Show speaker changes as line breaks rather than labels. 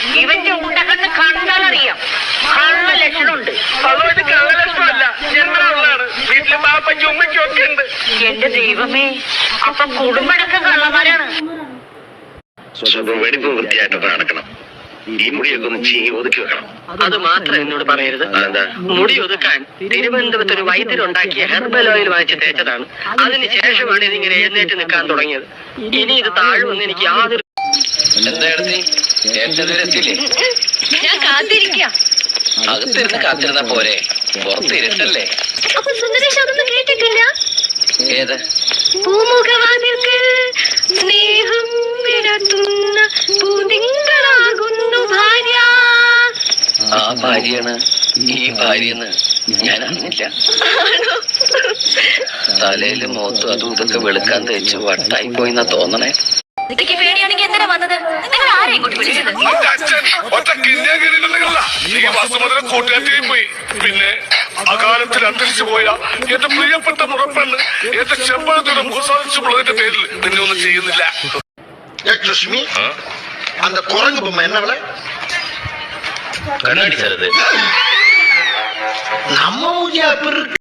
ഇവന്റെ ഉണ്ടകണ്ണ് കണ്ടാലറിയാം കള്ള ലക്ഷണമുണ്ട്.
കള്ളലക്ഷണമല്ല, ജന്മനുള്ളതാണ്. വീട്ടില് പാപ്പയ്ക്കും ഉമ്മയ്ക്കും ഒക്കെ ഉണ്ട്.
എന്റെ ദൈവമേ, അപ്പൊ കുടുംബടക്കം കള്ളന്മാരാണ്.
വെടിപ്പ് വൃത്തിയായിട്ടൊക്കെ നടക്കണം. ഈ മുടിയൊക്കെ ഒന്ന് ഒതുക്കി വെക്കണം.
അത് മാത്രം എന്നോട് പറയരുത്. മുടി ഒതുക്കാൻ തിരുവനന്തപുരത്ത് ഒരു വൈദ്യരുണ്ടാക്കിയ ഹെർബൽ ഓയിൽ വാങ്ങിച്ച് തേച്ചതാണ്. അതിന് ശേഷമാണ് ഇതിങ്ങനെ എഴുന്നേറ്റ് നിൽക്കാൻ തുടങ്ങിയത്. ഇനി ഇത് താഴുമെന്ന് എനിക്ക് യാതൊരു...
എന്തായിരുന്നു
ഞാൻ കാത്തിരിക്കാം.
അകത്തിരുന്ന് കാത്തിരുന്ന പോരെ, പുറത്തിരുട്ടല്ലേ.
അപ്പൊ സുന്ദരേഷ് അതൊന്നും കേട്ടിട്ടില്ല?
ഏത്
പൂമുഖവാതിൽക്ക് സ്നേഹം വിടത്തുന്ന പൂതിങ്കളാകുന്നു ഭാര്യ.
ആ ഭാര്യയാണ് ഈ ഭാര്യന്ന് ഞാൻ അറിഞ്ഞില്ല. തലയിലും മുഖത്തും അതും ഇതൊക്കെ വെളുക്കാൻ തേച്ച് വട്ടായി പോയിന്നാ തോന്നണേ.
പേടിയാണെങ്കിൽ എന്തിനാ വന്നത്? നിങ്ങൾ ആരെയും കൊണ്ട് വിളിച്ചത്?
പോയി. പിന്നെ അകാലത്തിൽ അന്തരിച്ചു പോയ എന്റെ പ്രിയപ്പെട്ട മുറപ്പെണ്ണ് എന്റെ ചെമ്പഴത്തോടെ മുഖസാധിച്ചുള്ളതിന്റെ പേരിൽ നിന്നെ ഒന്നും ചെയ്യുന്നില്ല.
ലക്ഷ്മി, அந்த குரங்கு பொம்மை என்ன
കണ്ണാടി ചെറുത്
நம்ம ஊரியா